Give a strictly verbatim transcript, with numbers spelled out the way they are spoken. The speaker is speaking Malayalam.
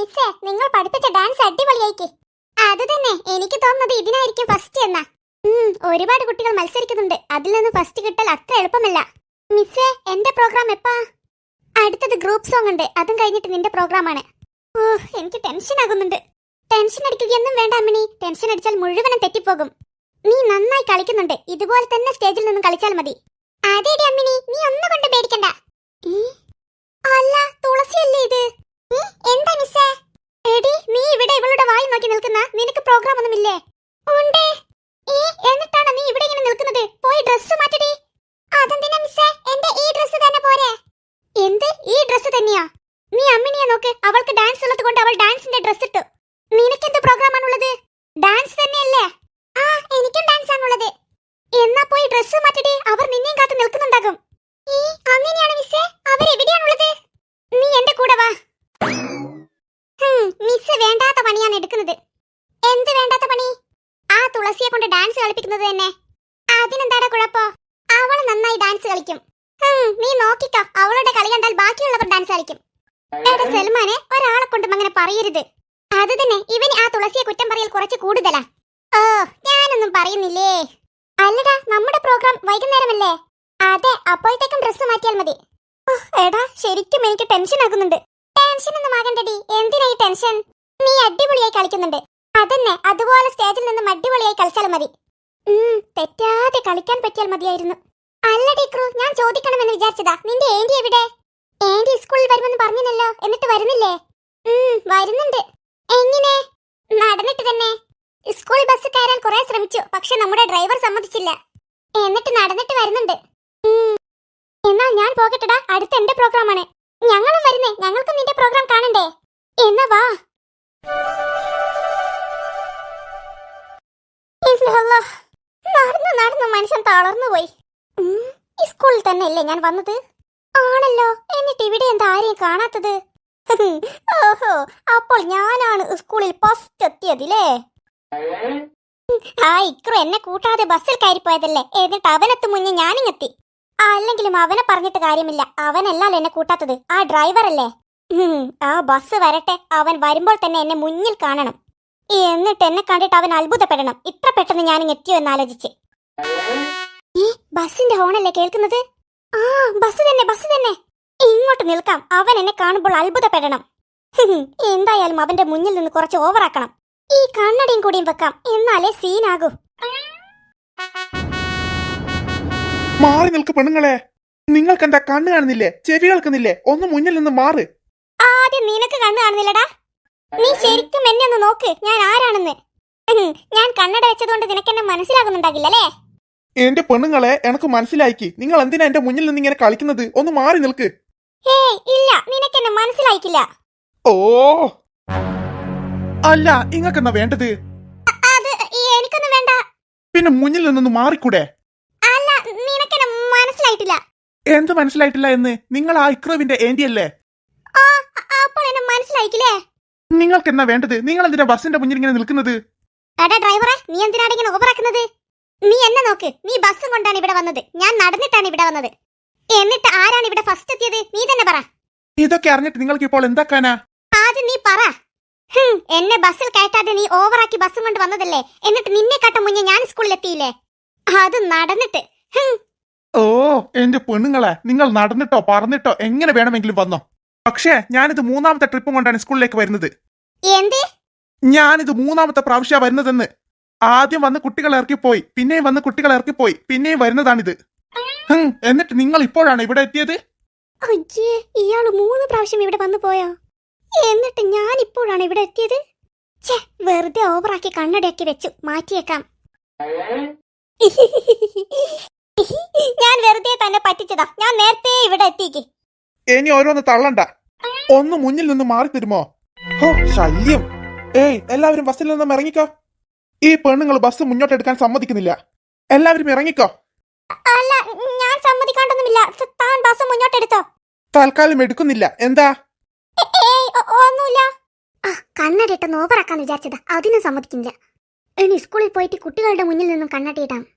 മിസ്സേ, നിങ്ങൾ പഠിപ്പിച്ച ഡാൻസ് അടിപൊളിയായിക്ക്. അത് തന്നെ എനിക്ക് തോന്നുന്നത് ഇതിനായിരിക്കും ഫസ്റ്റ് എന്നാ. ഒരുപാട് കുട്ടികൾ മത്സരിക്കുന്നുണ്ട്, അതിൽ നിന്ന് ഫസ്റ്റ് കിട്ടൽ അത്ര എളുപ്പമല്ല. മിസ്സേ, എന്റെ പ്രോഗ്രാം എപ്പാ? അടുത്തത് ഗ്രൂപ്പ് സോങ് ഉണ്ട്, അതും കഴിഞ്ഞിട്ട് നിന്റെ പ്രോഗ്രാം ആണ്. ഓ, എനിക്ക് ടെൻഷൻ ആകുന്നുണ്ട്. ടെൻഷൻ അടിക്കുകയൊന്നും വേണ്ട അമ്മിണി, ടെൻഷൻ അടിച്ചാൽ മുഴുവനും തെറ്റിപ്പോകും. നീ നന്നായി കളിക്കുന്നുണ്ട്, ഇതുപോലെ തന്നെ സ്റ്റേജിൽ നിന്ന് കളിച്ചാൽ മതി. അതേടി അമ്മിണി, നീ ഒന്നും കൊണ്ട് പേടിക്കണ്ട. അല്ല, തുളസിയല്ലേ ഇത്? എന്താ മിസ്സേ? എടി, നീ ഇവിടെ ഇവളുടെ വായി നോക്കി നിൽക്കുന്ന, നിനക്ക് പ്രോഗ്രാം ഒന്നുമില്ലേ? ഉണ്ട്. എന്നിട്ടാണ് നീ ഇവിടെ ഇങ്ങനെ നിൽക്കുന്നത്? പോയി ഡ്രസ്സ് മാറ്റടി. അതെന്തിനാ മിസ്സേ? എന്റെ ഈ ഡ്രസ്സ് തന്നെ പോരെ? എന്ത്, ഈ ഡ്രസ്സ് തന്നെയാ? നീ അമ്മിണിയെ നോക്ക്, അവൾക്ക് ഡാൻസ് ഉള്ളത് കൊണ്ട് അവൾ ഡാൻസിന്റെ ഡ്രസ് ഇട്ടു. നിനക്കെന്ത് പ്രോഗ്രാം ആണുള്ളത്? ഡാൻസ് തന്നെയല്ലേ? ആ, എനിക്കും ഡാൻസ് ആണുള്ളത്. എന്നാ പോയി ഡ്രസ്സ് മാറ്റടി, അവർ നിന്നെയും കാത്ത് നിൽക്കുന്നുണ്ടാകും. ഈ അങ്ങനെയാണ് മിസ്സേ, അവരെവിടെയാണുള്ളത്? നീ എന്റെ കൂടെ വാ. മിസ് വേണ്ടാത്ത പണിയാണ് എടുക്കുന്നത്. എന്ത് വേണ്ടാത്ത പണി? ആ തുളസിയെ കൊണ്ട് ഡാൻസ് കളിപ്പിക്കുന്നത് തന്നെ. അതിനെന്താടാ കുഴപ്പോ? അവൾ നന്നായി ഡാൻസ് കളിക്കും. നീ നോക്കിക്കോ, അവളുടെ കളി കണ്ടാൽ ബാക്കിയുള്ളവർ ഡാൻസ് കളിക്കും. എടാ സൽമാനെ, ഒരാളെ കൊണ്ടും അങ്ങനെ പറയരുത്. അത് തന്നെ, ഇവന് ആ തുളസിയെ കുറ്റം പറയൽ കുറച്ച് കൂടുതലാ. ഓ, ഞാനൊന്നും പറയുന്നില്ലേ. അല്ലടാ, നമ്മുടെ പ്രോഗ്രാം വൈകുന്നേരമല്ലേ? അതെ, അപ്പോഴത്തേക്കും ഡ്രസ്സ് മാറ്റിയാൽ മതി. എടാ, ശരിക്കും എനിക്ക് ടെൻഷൻ ആകുന്നുണ്ട്. ടെൻഷൻ ഒന്നും ആകണ്ടടി, എന്തിനാ ഈ ടെൻഷൻ? നീ അടിപൊളിയായി കളിക്കുന്നുണ്ട്. അതന്നെ, അതുപോലെ സ്റ്റേജിൽ നിന്നും അടിപൊളിയായി കളിച്ചാൽ മതി. തെറ്റാതെ കളിക്കാൻ പറ്റിയാൽ മതിയായിരുന്നു. അല്ലടി ക്രൂ, ഞാൻ ചോദിക്കണമെന്ന് വിചാരിച്ചതാ, നിന്റെ ഏന്റി എവിടെ? ഏന്റി സ്കൂളിൽ വരുമെന്ന് പറഞ്ഞല്ലോ, എന്നിട്ട് വരുന്നില്ലേ? വരുന്നുണ്ട്. എങ്ങനെ? നടന്നിട്ട് തന്നെ. സ്കൂൾ ബസ് കയറാൻ കുറെ ശ്രമിച്ചു, പക്ഷെ നമ്മുടെ ഡ്രൈവർ സമ്മതിച്ചില്ല. എന്നിട്ട് നടന്നിട്ട് വരുന്നുണ്ട്. എന്നാൽ ഞാൻ പോകട്ടെടാ, അടുത്ത എന്റെ പ്രോഗ്രാം ആണ്. ഞങ്ങളും വരുന്നേ, ഞങ്ങൾക്കും നിന്റെ പ്രോഗ്രാം കാണണ്ടേ? എന്നാ വാ. നടന്നു നടന്നു മനുഷ്യൻ തളർന്നു പോയി. സ്കൂളിൽ തന്നെ അല്ലേ ഞാൻ വന്നത്? ആണല്ലോ, എന്നിട്ട് ഇവിടെ എന്താ ആരെയും കാണാത്തത്? ഓഹോ, അപ്പോൾ ഞാനാണ് സ്കൂളിൽ ഫസ്റ്റ് എത്തിയതില്ലേ? ആ ഇക്രു എന്നെ കൂട്ടാതെ ബസ്സിൽ കയറിപ്പോയതല്ലേ, എന്നിട്ട് അവനെത്തു മുന്നേ ഞാനിങ്ങെത്തി. അല്ലെങ്കിലും അവനെ പറഞ്ഞിട്ട് കാര്യമില്ല, അവനല്ലല്ലോ എന്നെ കൂട്ടാത്തത്, ആ ഡ്രൈവർ അല്ലേ. ആ ബസ് വരട്ടെ, അവൻ വരുമ്പോൾ തന്നെ എന്നെ മുന്നിൽ കാണണം. എന്നിട്ട് എന്നെ കണ്ടിട്ട് അവൻ അത്ഭുതപ്പെടണം, ഇത്ര പെട്ടെന്ന് ഞാനിങ് എത്തിയോ എന്നാലോചിച്ച്. ഈ ബസിന്റെ ഹോണല്ലേ കേൾക്കുന്നത്? ആ, ബസ് തന്നെ, ബസ് തന്നെ. ഇങ്ങോട്ട് നിൽക്കാം, അവൻ എന്നെ കാണുമ്പോൾ അത്ഭുതപ്പെടണം. എന്തായാലും അവന്റെ മുന്നിൽ നിന്ന് കുറച്ച് ഓവറാക്കണം. ഈ കണ്ണടിയും കൂടിയും വെക്കാം, എന്നാലേ സീനാകൂ. മാറി നിൽക്ക് പെണ്ണുങ്ങളെ, നിങ്ങൾക്ക് എന്താ കണ്ണ് കാണുന്നില്ലേ? ചെവി കേൾക്കുന്നില്ലേ? ഒന്ന് മുന്നിൽ നിന്ന് മാറ്. ആദ്യം നിനക്ക് കണ്ണ് കാണുന്നില്ലടാ. നീ ശരിക്കും എന്നെ ഒന്ന് നോക്ക്, ഞാൻ ആരാണെന്ന്. ഞാൻ കണ്ണട വെച്ചതുകൊണ്ട് നിനക്കെന്നെ മനസ്സിലാകുന്നുണ്ടാകില്ലല്ലേ? എന്റെ പെണ്ണുങ്ങളെ, എനക്ക് മനസ്സിലായിക്ക്. നിങ്ങൾ എന്തിനാ എന്റെ മുന്നിൽ നിന്ന് ഇങ്ങനെ കളിക്കുന്നത്? ഒന്ന് മാറി നിൽക്ക്. ഹേയ്, ഇല്ല, നിനക്കെന്നെ മനസ്സിലായിക്കില്ല. ഓ, അല്ല, ഇങ്ങക്കെന്നാ വേണ്ടത്? അത് എനിക്കൊന്നും വേണ്ട. പിന്നെ മുന്നിൽ നിന്നൊന്ന് മാറിക്കൂടെ? അല്ല, നിനക്കെന്നെ മനസ്സിലായിട്ടില്ല. എന്ത് മനസ്സിലായിട്ടില്ല എന്ന്? നിങ്ങൾ ആ ഇക്രുവിന്റെ ഏന്റി അല്ലേ? അപ്പോൾ എന്നെ മനസ്സിലായിക്കില്ലേ? നിങ്ങൾക്ക് എന്നാ വേണ്ടത്? നിങ്ങൾ എന്തിനാ ബസിന്റെ മുന്നിൽ ഇങ്ങനെ നിൽക്കുന്നത്? എടാ ഡ്രൈവറെ, നീ എന്തിനാണ് ഇങ്ങനെ ഓവറാക്കുന്നത്? നീ എന്നെ നോക്ക്, നീ ബസ്സും കൊണ്ടാണ് ഇവിടെ വന്നത്, ഞാൻ നടന്നിട്ടാണ് ഇവിടെ വന്നത്. എന്നിട്ട് ആരാണ് ഇവിടെ ഫസ്റ്റ് എത്തിയത്? നീ തന്നെ പറ. ഇതൊക്കെ അറിഞ്ഞിട്ട് നിങ്ങൾക്ക് ഇപ്പോൾ എന്താക്കാനാ? ആദ്യം നീ പറ. എന്നെ ബസ്സിൽ കയറ്റാതെ നീ ഓവറാക്കി ബസ്സും കൊണ്ട് വന്നതല്ലേ, എന്നിട്ട് നിന്നെ കാട്ട മുന്നേ ഞാൻ സ്കൂളിൽ എത്തിയില്ലേ, അത് നടന്നിട്ട്. ഓ, എന്റെ പെണ്ണുങ്ങളെ, നിങ്ങൾ നടന്നിട്ടോ പറന്നിട്ടോ എങ്ങനെ വേണമെങ്കിലും വന്നോ. പക്ഷേ ഞാനിത് മൂന്നാമത്തെ ട്രിപ്പും കൊണ്ടാണ് സ്കൂളിലേക്ക് വരുന്നത്. എന്ത്? ഞാനിത് മൂന്നാമത്തെ പ്രാവശ്യ വരുന്നതെന്ന്. ആദ്യം വന്ന് കുട്ടികൾ ഇറക്കിപ്പോയി, പിന്നെയും വന്ന് കുട്ടികൾ ഇറക്കിപ്പോയി, പിന്നെയും വരുന്നതാണിത്. എന്നിട്ട് നിങ്ങൾ ഇപ്പോഴാണ് ഇവിടെ എത്തിയത്? അയ്യേ, ഇയാള് മൂന്ന് പ്രാവശ്യം ഇവിടെ വന്നു പോയോ? എന്നിട്ട് ഞാൻ ഇപ്പോഴാണ് ഇവിടെ എത്തിയത്? ഛേ, വെറുതെ ഓവറാക്കി കണ്ണടയാക്കി വെച്ചു, മാറ്റിയേക്കാം. ഞാൻ വെറുതെ തന്നെ പറ്റിച്ചതാ, ഞാൻ നേരത്തെ ഇവിടെ എത്തിക്ക്. ഇനി ഓരോന്ന് തള്ളണ്ട, ഒന്ന് മുന്നിൽ നിന്ന് മാറി തരുമോ? ഹോ, ശല്യം. ഏയ്, എല്ലാവരും ബസ്സിൽ നിന്നും ഇറങ്ങിക്കോ. ഈ പെണ്ണുങ്ങൾ ബസ് മുന്നോട്ട് എടുക്കാൻ സമ്മതിക്കുന്നില്ല. എല്ലാവരും ഇറങ്ങിക്കോ. അല്ല, ഞാൻ സമ്മതിക്കാണ്ടൊന്നുമില്ല, താൻ ബസ് മുന്നോട്ട് എടുത്തോ. തൽക്കാലം എടുക്കുന്നില്ല. എന്താ? ഒന്നുമില്ല. കണ്ണടിയിട്ട് ഓവറാക്കാന്ന് വിചാരിച്ചതാ, അതിനും സമ്മതിക്കുന്നില്ല. ഇനി സ്കൂളിൽ പോയിട്ട് കുട്ടികളുടെ മുന്നിൽ നിന്നും കണ്ണടിയിടാം.